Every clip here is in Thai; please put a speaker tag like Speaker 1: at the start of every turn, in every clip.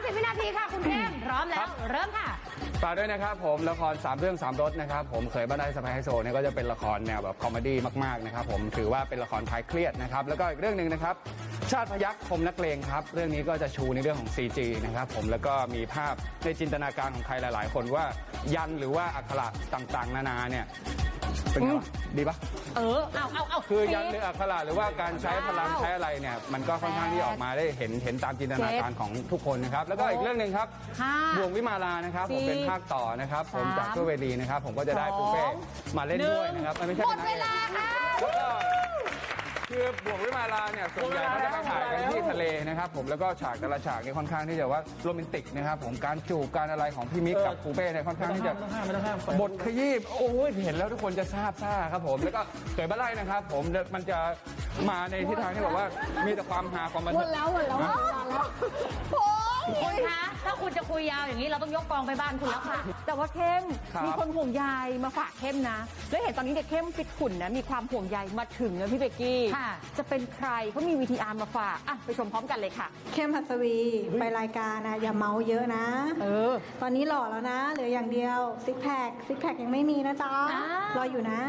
Speaker 1: 30 วินาทีค่ะคุณเข้มพร้อมแล้วเริ่มค่ะ
Speaker 2: ฝากด้วยนะครับผมละคร3 เรื่อง 3 รสนะครับผมเคยบ้านได้สบายไฮโซเนี่ยก็จะเป็นละครแนวแบบคอมเมดี้มากๆนะครับผมถือว่าเป็นละครคลายเครียดนะครับแล้วก็อีกเรื่องหนึ่งนะครับชาติพยัคฆ์คมนักเลงครับเรื่องนี้ก็จะชูในเรื่องของ CG นะครับผมแล้วก็มีภาพในจินตนาการของใครหลายๆ คนว่ายันหรือว่าอักขระต่างๆนานาเนี่ยเป็นไงวะดีปะ
Speaker 1: เอา
Speaker 2: คือยันหรืออักขระหรือว่าการใช้พลังใช้อะไรเนี่ยมันก็ค่อนข้างที่ออกมาได้เห็นตามจินตนาการของทุกคนนะครับแล้วก็อีกเรื่องหนึ่งครับบ่วงวิมาลานะครับผมเป็นภาคต่อนะครับผมจากตัวเวลีนะครับผมก็จะได้ปูเป้มาเล่นด้วยนะครับไม่ใช่หมดเวลาค่ะแล้วก็คือบ่วงวิมาลาเนี่ยส่วนใหญ่เขาจะไปถ่ายกันที่ทะเลนะครับผมแล้วก็ฉากแต่ละฉากนี่ค่อนข้างที่จะว่าโรแมนติกนะครับผมการจูบการอะไรของพี่มิกกับปูเป้เนี่ยค่อนข้างที่จะบทขยี้โอ้ยเห็นแล้วทุกคนจะทราบซ่าครับผมแล้วก็เคยบ้านไร่นะครับผมมันจะมาในทิศทางที่แบบว่ามีแต่ความฮาความบันเทิง
Speaker 1: หมดแล้วคุณคะถ้าคุณจะคุยยาวอย่างนี้เราต้องยกกองไปบ้านคุณแล้วค่ะ
Speaker 3: แต่ว่าเข้มมีคนห่วงใยมาฝากเข้มนะแล้วเห็นตอนนี้เด็กเข้มฟิตขุ่นนะมีความห่วงใยมาถึงนะพี่เบกกี้จะเป็นใครเขามี VTR มาฝากไปชมพร้อมกันเลยค่ะ
Speaker 4: เข้มหัสวีไปรายการนะอย่าเมาเยอะนะตอนนี้หล่อแล้วนะเหลืออย่างเดียวซิกแพคยังไม่มีนะจ๊ะรออยู่นะ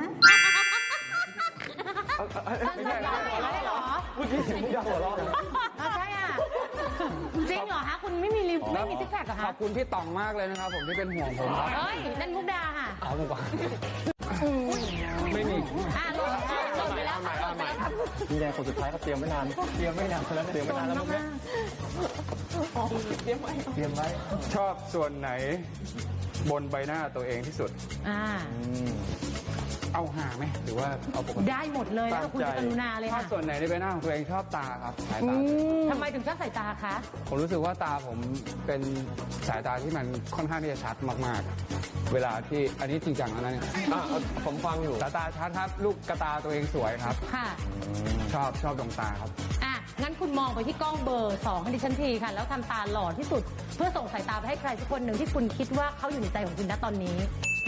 Speaker 1: ไม่ใช่หรอ
Speaker 2: เมื่อกี้เสียงมุกดาหัวเราะ
Speaker 1: ใช่อ่ะจริงเหรอฮะคุณไม่มีซิกแพคเหรอฮะ
Speaker 2: ขอบคุณพี่ต่องมากเลยนะครับผมที่เป็นห่วงผมครับ
Speaker 1: เฮ้ยนั่นมุกดาค่ะ
Speaker 2: เอาดีกว่าไม่มี
Speaker 1: ลงไปแล้ว
Speaker 2: มีแรงคนสุดท้ายก็เตรียมไม่นานแล้วเตรียมไม่นานแล้วมุกเนี้ยเตรียมไว้ชอบส่วนไหนบนใบหน้าตัวเองที่สุดเอาหาไหมหรือว่าเอาปกติ
Speaker 1: ได้หมดเลยแล้วคุณจะกรุณาเลยค่ะ
Speaker 2: ส่วนไหนในใบหน้าของตัวเองชอบตาครับสายตา
Speaker 1: ทำไมถึงชอบสายตาคะ
Speaker 2: ผมรู้สึกว่าตาผมเป็นสายตาที่มันค่อนข้างที่จะชัดมากๆเวลาที่อันนี้จริงจังแล้วนะเนี่ยผมฟังอยู่สายตาชัดครับลูกกระตาตัวเองสวยครับ
Speaker 1: ค่ะ
Speaker 2: ชอบดวงตาครับ
Speaker 1: งั้นคุณมองไปที่กล้องเบอร์ 2ให้ดิฉันทีค่ะแล้วทำตาหล่อที่สุดเพื่อส่งสายตาไปให้ใครสักคนหนึ่งที่คุณคิดว่าเขาอยู่ในใจของคุณณตอนนี้